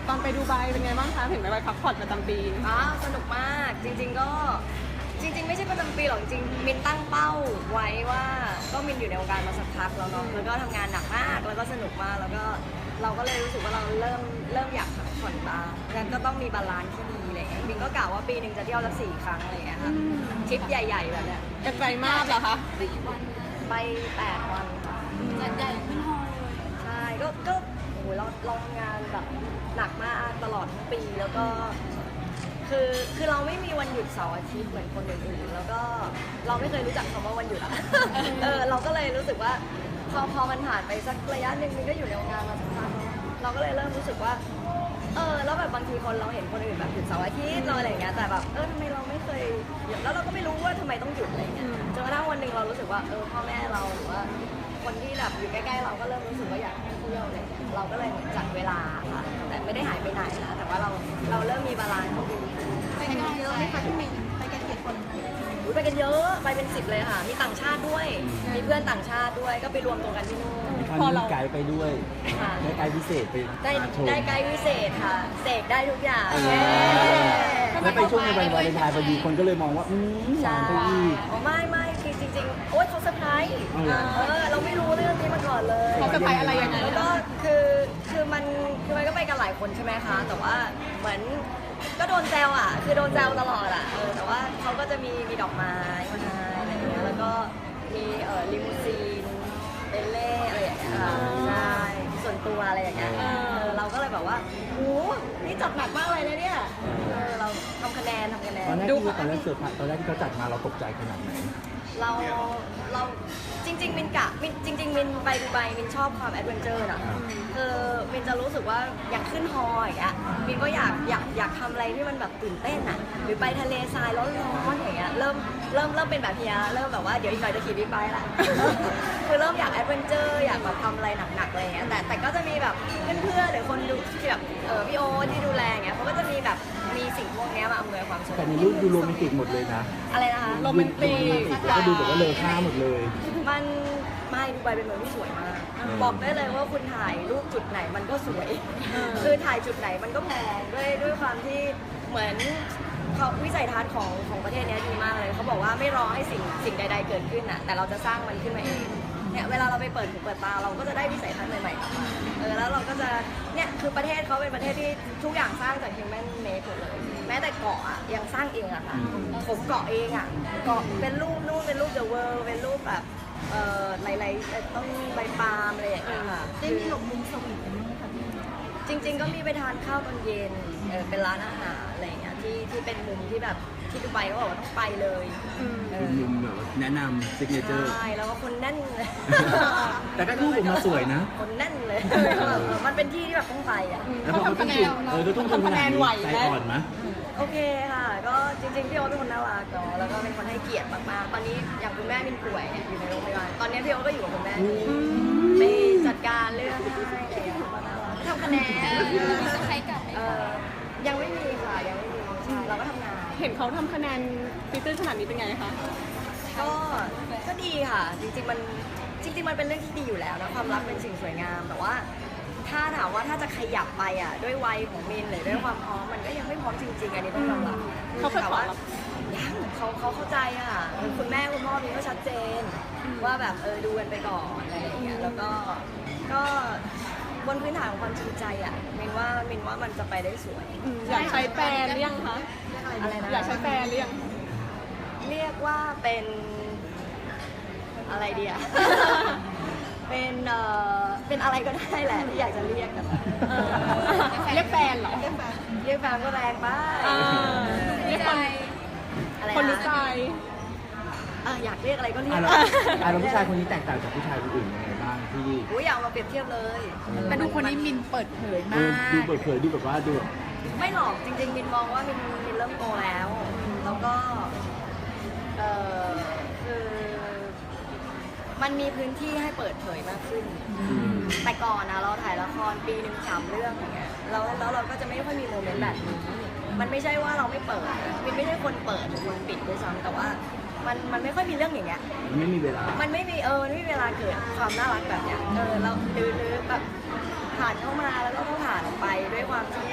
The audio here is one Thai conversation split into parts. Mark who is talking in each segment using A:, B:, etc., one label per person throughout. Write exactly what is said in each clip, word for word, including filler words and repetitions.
A: ตอนไปดูไบเป็นไงบ้างคะเห็นไหมไปพักผ่อนประจำปี
B: อ๋อสนุกมากจริงๆก็จริงๆไม่ใช่ประจำปีหรอกจริงๆมินตั้งเป้าไว้ว่าก็มินอยู่ในวงการมาสักพักแล้วเนาะแล้วก็ทำงานหนักมากแล้วก็สนุกมากแล้วก็เราก็เลยรู้สึกว่าเราเริ่มเริ่มอยากพักผ่อนบ้างงั้นก็ต้องมีบาลานซ์ที่ดีอะไรเงี้ยมินก็กล่าวว่าปีหนึ่งจะเที่ยวละสี่ครั้งอะไรเงี้ยค่ะทริปใหญ่ๆแบบเนี้ย
A: ไกลมากเหรอคะ
B: ไปแปดวันค่ะ
C: ใหญ่ขึ้นฮอเลย
B: ใช่ก็ก็โอ้โหเราเราทำงานแบบหนักมากตลอดทั้งปีแล้วก็คือคือเราไม่มีวันหยุดเสาร์อาทิตย์เหมือนคนอื่นๆแล้วก็เราไม่เคยรู้จักคำว่าวันหยุดอะ เออเราก็เลยรู้สึกว่าพอพอมันผ่านไปสักระยะหนึ่งมันก็อยู่ในวงการมาสักพักเราก็เลยเริ่มรู้สึกว่าเออแล้วแบบบางทีคนเราเห็นคนอื่นแบบหยุดเสาร์อาทิตย์เราอะไรอย่างเงี้ยแต่แบบเออทำไมเราไม่เคยหยุดแล้วเราก็ไม่รู้ว่าทำไมต้องหยุดอะไรเงี้ยจนกระทั่งวันหนึ่งเรารู้สึกว่าเออพ่อแม่เราหรือว่าคนที่แบบอยู่ใกล้ๆเราก็เริ่มรู้สึกว่าอยากเที่ยวอะไรเงี้ยเราก็เลยจัดเวลาค่ะแต่ไม่ได้หายไปไหนนะแต่ว่าเราเราเริ่มมีบาลานซ์ที่ดี
C: ไปกันเยอะไหมคะพี่มินไปกันกี่คน
B: ไปกันเยอะไปเป็นสิบเลยค่ะมีต่างชาติด้วยมีเพื่อนต่างชาติด้วยก็ไปรวมตัวกันที่นู่น
D: พอเราไกด์ไปด้วยได้ไกด์พิเศษไป
B: ได้ได้ไกด์พิเศษค่ะเสกได้ทุกอย่าง
D: แล้วไปช่วงในวันวาเลนไทน์พอดีคนก็เลยมองว่าอืมหวานไปอีก
B: ไม่ไม่คือจริงๆโอ๊ยเขาเซอร์ไพรส์เออเราไม่รู้เรื่องนี้มาก่อนเลย
A: เขาเซอร์ไพรส์อะไรยังไง
B: แล้วก็คือคือมันคือมันก็ไปกันหลายคนใช่ไหมคะแต่ว่าเหมือนก็โดนแซวอ่ะคือโดนแซวตลอดอ่ะเออแต่ว่าเขาก็จะมีมีดอกไม้มาให้อะไรอย่างเงี้ยแล้วก็มีเอ่อลิมูซีนเบลเล่อะไรอย่างเงี้ยใช่ส่วนตัวอะไรอย่างเงี้ยเออเราก็เลยแบบว่าโอ้นี่จัดหนักมากเลยนะเนี่ยเออเราทำคะแนนทำคะแนน
D: ตอนแรกที่ตอนแรกเสิร์ฟตอนแรกที่เขาจัดมาเราตกใจขนาดไหน
B: เราเราจริงๆมินกะมินจริงๆมินไปดูไบมินชอบความแอดเวนเจอร์นะคือมินจะรู้สึกว่าอยากขึ้นฮออย่างเงี้ยมินก็อยากอยากอยากทำอะไรที่มันแบบตื่นเต้นอ่ะหรือไปทะเลทรายร้อนๆอย่างเงี้ยเริ่มเริ่มเริ่มเป็นแบบเฮียเริ่มแบบว่าเดี๋ยวอีกหน่อยจะขี่บิ๊กไบค์ละคือเริ่มอยากแอดเวนเจอร์อยากแบบทำอะไรหนักๆอะไรเงี้ยแต่แต่ก็จะมีแบบเพื่อนๆหรือคนดูที่แบบเออพี่โอที่ดูแลเงี้ยเขาก็จะมีแบบมีสิ่งพวกนี้มาอำนวยความสะดวก
D: แต่ในรูปดูโรแมนติกหมดเลยนะ
B: อะไรนะคะ
A: โรแมนติก
D: ก็ดูแบบว่าเลอค่าหมดเลย
B: มันไม่ดูไบเป็นเมืองที่สวยมากบอกได้เลยว่าคุณถ่ายรูปจุดไหนมันก็สวยคือถ่ายจุดไหนมันก็แพงด้วยด้วยความที่เหมือนเขาวิสัยทัศน์ของของประเทศนี้ดีมากเลยเขาบอกว่าไม่รอให้สิ่งสิ่งใดๆเกิดขึ้นอ่ะแต่เราจะสร้างมันขึ้นมาเองเนี่ยเวลาเราไปเปิดหูเปิดตาเราก็จะได้วิสัยทัศน์ใหม่ๆเออแล้วเราก็จะเนี่ยคือประเทศเขาเป็นประเทศที่ทุกอย่างสร้างจาก human made หมดเลยแม้แต่เกาะอ่ะยังสร้างเองอะค่ะผมเกาะเองอ่ะเกาะเป็นรูปนู่นเป็นรูป the world เป็นรูปแบบเอ่อหลายๆต้นใบปาล์มอะไรอย่างเงี้ยค่ะ
C: ได้มีหลบมุมสวีทกันบ้างไหมคะพี่
B: จริงๆก็มีไปทานข้าวตอนเย็นเออเป็นร้านอาหารอะไรอย่างเงี้ยที่ที่เป็นมุมที่แบบที่ดูไบเขาบอกว่าต้องไปเลย
D: เป็นมุมแบบแนะนำซิกเนเจอร์
B: ใช่แล้วก็คนแน่นเลย
D: แต่ก็รูปออกมาสวยนะ
B: คนแน่นเลยมันเป็นที่ที่แบบต้องไปอ่ะ
D: แล้วพอเขาต้องจุดเออต้องทำคะแนนไหวใจอ่อนไหม
B: โอเคค่ะก็จริงๆพี่โอ๊ตเป็นคนน่ารักเนาะแล้วก็เป็นคนให้เกียรติมากๆตอนนี้อย่างคุณแม่มินป่วยเนี่ยอยู่ในโรงพยาบาลตอนนี้พี่โอ๊ตก็อยู่กับคุณแม่ไปจัดการเรื่องให้อะไรอย่างเงี้ยทำคะแนน
C: จะใช้กับไหม
B: ยังไม่มีค่ะยังไม่มีเราก็ทำงาน
A: เห็นเขาทำคะแนนฟิตเตอร์ขนาดนี้เป็นไงคะ
B: ก็ก็ดีค่ะจริงๆมันจริงๆมันเป็นเรื่องที่ดีอยู่แล้วนะความรักเป็นสิ่งสวยงามแต่ว่าถ้าถามว่าถ้าจะขยับไปอ่ะด้วยวัยของมินหรือด้วยความพร้อมมันก็ยังไม่พร้อมจริงๆอันนี้ต้องยอมรับ
A: เขาเคยขอ
B: ยังเขาเขาเข้าใจอ่ะคุณแม่คุณพ่อมินก็ชัดเจนว่าแบบเออดูกันไปก่อนอะไรอย่างเงี้ยแล้วก็ก็บนพื้นฐานของความจริงใจอ่ะมินว่ามินว่ามันจะไปได้สวย
A: อยากใช้แฟนหรือยังคะ
B: อะไรนะ
A: อยากใช้แฟนหรือยัง
B: เรียกว่าเป็นอะไรดีอ่ะเป็นเอ่อเป็นอะไรก็ได้แหละที่อยากจะเรียกกัน
A: เรียกแฟนเหรอ
B: เรียกแฟนเรียกแฟนก็แรงไป
A: เรียกคนคนรู้ใจ
B: อยากเรียกอะไรก็เรียก
D: แล้วผู้ชายคนนี้แตกต่างจากผู้ชายคนอื่นยังไงบ้างที่
B: อุ้ยอยากมาเปรียบเทียบเลย
C: แต่ดูคนนี้มินเปิดเผยมาก
D: ดูเปิดเผยดูแบบว่าดู
B: ไม่หรอกจริงๆมินมองว่ามินมินเริ่มโตแล้วแล้วก็เออคือมันมีพื้นที่ให้เปิดเผยมากขึ้นแต่ก่อนนะเราถ่ายละครปีหนึ่งสามเรื่องอย่างเงี้ยแล้วแล้วเราก็จะไม่ค่อยมีโมเมนต์แบบนี้มันไม่ใช่ว่าเราไม่เปิดมินไม่ใช่คนเปิดหรือคนปิดด้วยซ้ำแต่ว่ามันมันไม่ค่อยมีเรื่องอย่างเงี้ย
D: มันไม่มีเวลา
B: มันไม่มีเออมันไม่มีเวลาเกิดความน่ารักแบบเนี้ยเออเราดื้อๆแบบผ่านเข้ามาแล้วก็ต้องผ่านออกไปด้วยความที่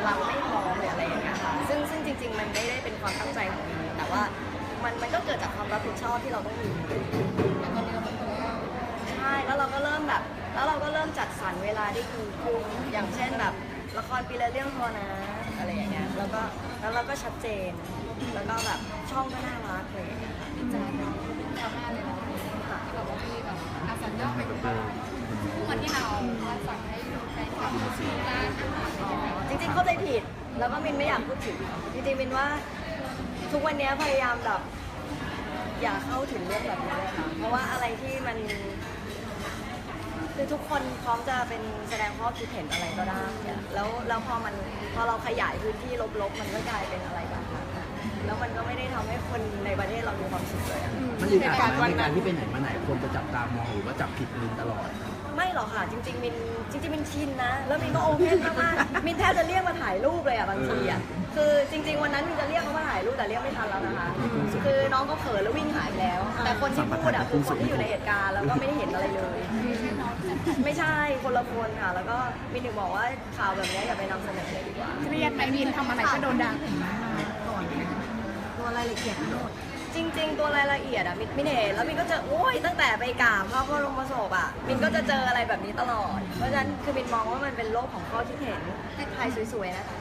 B: เราไม่พร้อมหรืออะไรอย่างเงี้ยค่ะซึ่งซึ่งจริง ๆ มันไม่ได้เป็นความตั้งใจของมินแต่ว่ามันมันก็เกิดจากความรับผิดชอบที่เราต้องมีใช่แล้วเราก็เริ่มแบบแล้วเราก็เริ่มจัดสรรเวลาได้ดีขึ้นอย่างเช่นแบบละครปีละเรื่องพอนะอะไรอย่างเงี้ยแล้วก็แล้วเราก็ชัดเจนแล้วก็แบบช่องก็น่ารักเลยค่ะ
C: จะทำงานเลยนะที่แบบว่ามีแบบอาสัญญาไปทุกวันที่เราสั่งให้แฟนคลับซื้อร้านอาหารอ๋อ
B: จริงๆเข้าใจผิดแล้วก็มินไม่อยากพูดถึงจริงๆมินว่าทุกวันนี้พยายามแบบอย่าเข้าถึงเรื่องแบบนี้เลยค่ะเพราะว่าอะไรที่มันคือทุกคนพร้อมจะเป็นแสดงข้อคิดเห็นอะไรก็ได้อะแล้วแล้วพอมันพอเราขยายพื้นที่ลบๆมันก็กลายเป็นอะไรแบบนั้นอะแล้วมันก็ไม่ได้ทำให้คนในประเทศเรามีความสุขเลยอะ
D: มันอึดอัดไหมในการที่ไปไหนมาไหนคนจะจับตามองหรือว่าจับผิดมินตลอด
B: ไม่หรอกค่ะจริงๆมินจริงๆมินชินนะแล้วมินก็โอเพนมากๆมินแทบจะเรียกมาถ่ายรูปเลยอ่ะบางทีอ่ะคือจริง ๆวันนั้นมินจะเรียกเขามาถ่ายรูปแต่เรียกไม่ทันแล้วนะคะคือน้องก็เผลอแล้ววิ่งหายไปแล้ว แต่คนที่พูดอ่ะคือคนที่อยู่ในเหตุการณ์แล้วก็ไม่ได้เห็นอะไรเลย ไม่ใช่คนละคนค่ะแล้วก็มินถึงบอกว่าข่าวแบบนี้อย่าไปนำเสนอเลยดีกว่า
C: เครียดไหมมินทำอะไรก็โดนด่า
A: ตัวรายละเอียดทั้งหมด
B: จริงๆ ตัวรายละเอียดอะมินมินเห็นแล้วมินก็จะโอ้ยตั้งแต่ไปกราบพระบรมศพอะมินก็จะเจออะไรแบบนี้ตลอด เพราะฉะนั้นคือมินมองว่ามันเป็นโลกของข้อคิดเห็นถ่ายสวยๆนะคะ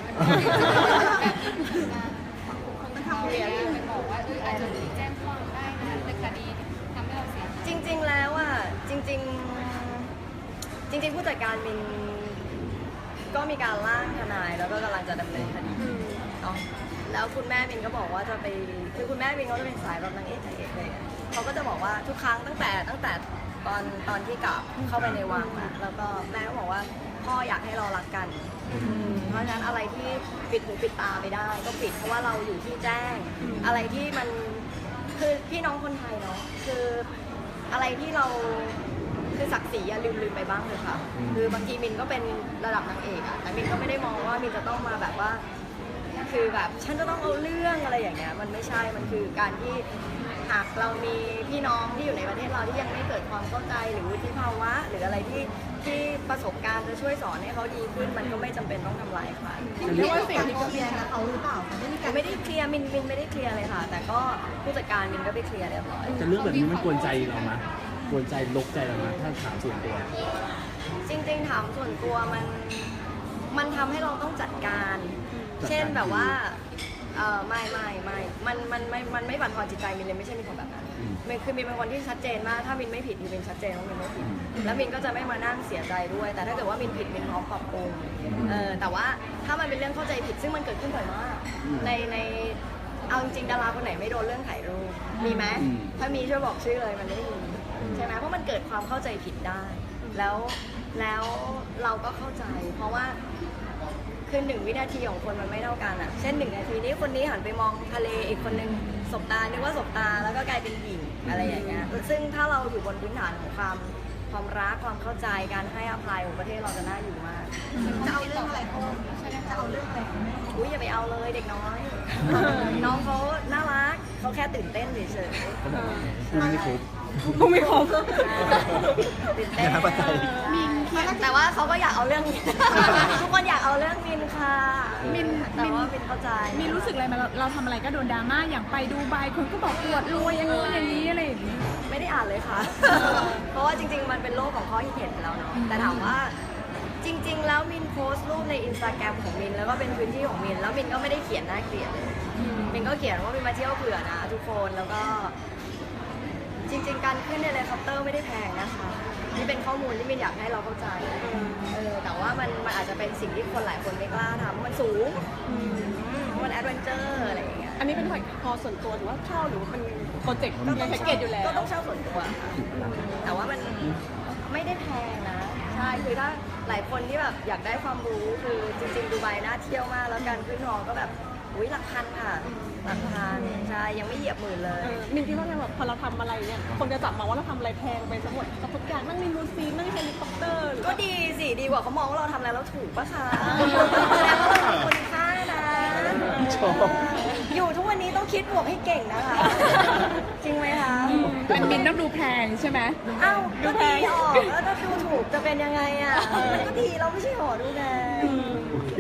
C: มันทำเรียนไปบอกว่าเอออาจจะแจ้งความได้นะในคดีทำให้เราเสีย
B: จริงๆ แล้วอะจริงๆ จริงๆ ผู้จัดการมินก็มีการร่างทนายแล้วก็กำลังจะดำเนินคดีเนาะแล้วคุณแม่มินก็บอกว่าจะไปคือคุณแม่มินเขาจะเป็นสายแบบนางเอกนางเอกเลยอะเขาก็จะบอกว่าทุกครั้งตั้งแต่ตั้งแต่ตอนตอนที่กลับเข้าไปในวังอะแล้วก็แม่ก็บอกว่าพ่ออยากให้เรารักกัน เพราะฉะนั้นอะไรที่ปิดหูปิดตาไม่ได้ก็ปิดเพราะว่าเราอยู่ที่แจ้ง อะไรที่มันคือพี่น้องคนไทยเนาะคืออะไรที่เราคือศักดิ์ศรีอย่าลืมลืมไปบ้างเลยค่ะ คือบางทีมินก็เป็นระดับนางเอกอะแต่มินก็ไม่ได้มองว่ามินจะต้องมาแบบว่า คือแบบฉันจะต้องเอาเรื่องอะไรอย่างเงี้ยมันไม่ใช่มันคือการที่หากเรามีพี่น้องที่อยู่ในประเทศเราที่ยังไม่เกิดความเข้าใจหรือวุฒิภาวะ หรืออะไรที่ที่ประสบการณ์จะช่วยสอนให้เขาดีขึ้น มันก็ไม่จำเป็นต้องทำลายใคร
A: เรียกว่าสิ่งที่เคลียร์กับเขาหรือเปล่าคะได้มีการ
B: ไม่ได้เคลียร์มินมินไม่ได้เคลียร์เลยค่ะ แต่ก็ผู้จัดการมินก็ไปเคลียร์เรียบร้อย
D: จะเรื่องแบบนี้มันกวนใจเราไหมกวนใจลกใจเราไหมถ้าถามส่วนตัว
B: จริงๆถามส่วนตัวมันมันทำให้เราต้องจัดการ เช่นแบบว่าเออไม่ไม่ไม่มันมันไม่มันไม่บั่นทอนจิตใจมินเลยไม่ใช่มินคนแบบนั้นมินคือมินเป็นคนที่ชัดเจนมากถ้ามินไม่ผิดมินชัดเจนว่ามินไม่ผิดแล้วมินก็จะไม่มานั่งเสียใจด้วย แต่ถ้าเกิดว่ามินผิดมินพร้อมปรับปรุงเออแต่ว่าถ้ามันเป็นเรื่องเข้าใจผิดซึ่งมันเกิดขึ้นบ่อยมากในในเอาจริงๆดาราคนไหนไม่โดนเรื่องถ่ายรูปมีไหมถ้ามีช่วยบอกชื่อเลยมันไม่มีใช่ไหมเพราะมันเกิดความเข้าใจผิดได้ แล้วแล้วเราก็เข้าใจ เพราะว่าคือหนึ่งวินาทีของคนมันไม่เท่ากันอ่ะ เช่นหนึ่งนาทีนี้คนนี้หันไปมองทะเลอีกคนนึงสบตานึกว่าสบตาแล้วก็กลายเป็นหญิงอะไรอย่างเงี้ยซึ่งถ้าเราอยู่บนพื้นฐานของความความรักความเข้าใจการให้อภัยของประเทศเราจะน่าอยู่มาก
A: จะเอาเรื่องอะไรพ่อจะเอาเรื่องอะไร
B: อุ้ยอย่าไปเอาเลยเด็กน้อย น้องเขาน่ารักเขาแค่ตื่นเต้นเฉย
D: เขาบอกว่าคุณไม่ครบ
C: กูไม่ครบ
B: ๆตื่นเต้น
D: อย่าประใจ
B: แต่ว่าเขาก็อยากเอาเรื่อง ทุกคนอยากเอาเรื่องมินค่ะ
C: มิน
B: แต่ว่ามินเข้าใจ
C: มีรู้สึกอะไรไหมเราเราทำอะไรก็โดนดราม่าอย่างไปดูไบคนก็บอกอวดรวยอย่างงู้นอย่างนี้อะไรอย่างนี้
B: ไม่ได้อ่านเลยค่ะ เพราะว่าจริงๆ มันเป็นโลกของข้อคิดเห็นไปแล้วเนาะ แต่ถามว่าจริง ๆ แล้วมินโพสต์รูปในอินสตาแกรมของมินแล้วก็เป็นพื้นที่ของมิน แล้วมินก็ไม่ได้เขียนน่าเกลียดเลยมินก็เขียนว่ามินมาเที่ยวเผื่อนะทุกคน แล้วก็ จริง ๆ การขึ้นในเฮลิคอปเตอร์ไม่ได้แพงนะคะนี่เป็นข้อมูลที่มินอยากให้เราเข้าใจ เออ แต่ว่ามันมันอาจจะเป็นสิ่งที่คนหลายคนไม่กล้าทำมันสูงเพราะมันแอดเวนเจอร์อะไรอย่างเงี้ย
C: อันนี้เป็นพอส่วนตัวหรือว่าเช่าหรือว่าเป็นโปรเจกต์ในแพ็กเกจอยู่แล้ว
B: ก็ต้องเช่าส่วนตัวค่ะแต่ว่ามันไม่ได้แพงนะ ใช่ คือถ้าหลายคนที่แบบอยากได้ความรู้คือจริงๆดูไบน่าเที่ยวมากแล้วการขึ้นฮอก็แบบอุ้ยหลักพันค่ะหลักพันใช่ยังไม่เหยียบหมื่นเลย
C: มินคิดว่าไงแบบพอเราทำอะไรเนี่ยคนจะจับมาว่าเราทำอะไรแพงไปทั้งหมดกับทุกอย่างนั่งลิมูซีนนั่งเฮลิคอปเตอร์หรือ
B: ก็
C: ว่า
B: ดีสิดีกว่าเขามองว่าเราทำอะไรแล้วถูกปะคะแสดงว่าเราทำคุณค่านะ
D: ชอบ
B: อยู่ทุกวันนี้ต้องคิดบวกให้เก่งนะคะ จริงไหมคะ
C: เป็นมินต้องดูแพงใช่ไหม
B: อ้าวก็ดีออกแล้วถ้าดูถูกจะเป็นยังไงอ่ะมันก็ดีเราไม่ใช่หอดูแล
C: คือไม่ได้สน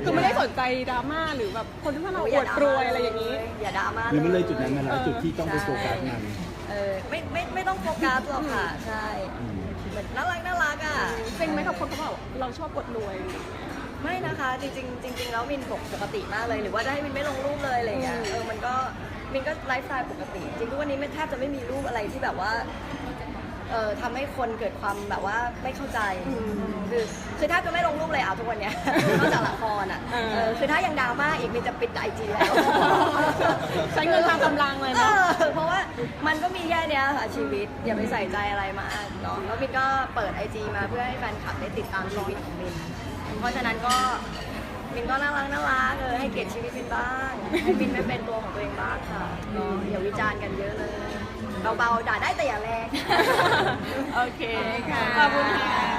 A: นใจดราม่าหรือแบบคนที่ว่าเราอวดรวยอะไรอย่างนี้
B: อย่าดราม่า
D: หรือมันเลยจุดนั้น
B: เล
D: มาแล้วจุดที่ต้องไปโฟกัสมัน
B: เออไม่ไม่ไม่ต้องโฟกัสหรอกค่ะใช่
D: อืม
B: เหมือนน่ารักน่ารักอ่ะ
A: จริงไหมกับคนเขาบอกเราชอบอวดรวย
B: ไม่นะคะจริงๆจริงๆแล้วมินปกติมากเลยหรือว่าจะให้มินไม่ลงรูปเลยอะไรเงี้ยเออมันก็มินก็ไลฟ์สไตล์ปกติจริงๆทุกวันนี้ไม่แทบจะไม่มีรูปอะไรที่แบบว่าเออทำให้คนเกิดความแบบว่าไม่เข้าใจคือคือถ้าจะไม่ลงรูปเลยอ่ะทุกวันเนี้ย นอกจากละครอ่ะเออคือถ้ายังดราม่าอีกมินจะปิดไอจีแล้ว
A: ใช้เงินทางกำลังเลย
B: เอ
A: เนาะ
B: อเพราะว่ามันก็มีแค่เนี้ยค่ะชีวิตอย่าไปใส่ใจอะไรมากเนาะแล้วมินก็เปิดไอจีมาเพื่อให้แฟนคลับได้ติดตามชีวิตของมินเพราะฉะนั้นก็มินก็น่ารักน่ารักเออให้เกียรติชีวิตมินบ้างให้มินไม่เป็นตัวของตัวเองบ้างค่ะเนาะอย่าวิจารณ์กันเยอะเลยเบาๆด่าได้แต่อย่าแรง
A: โอเคค่ะ ขอบคุณค่ะ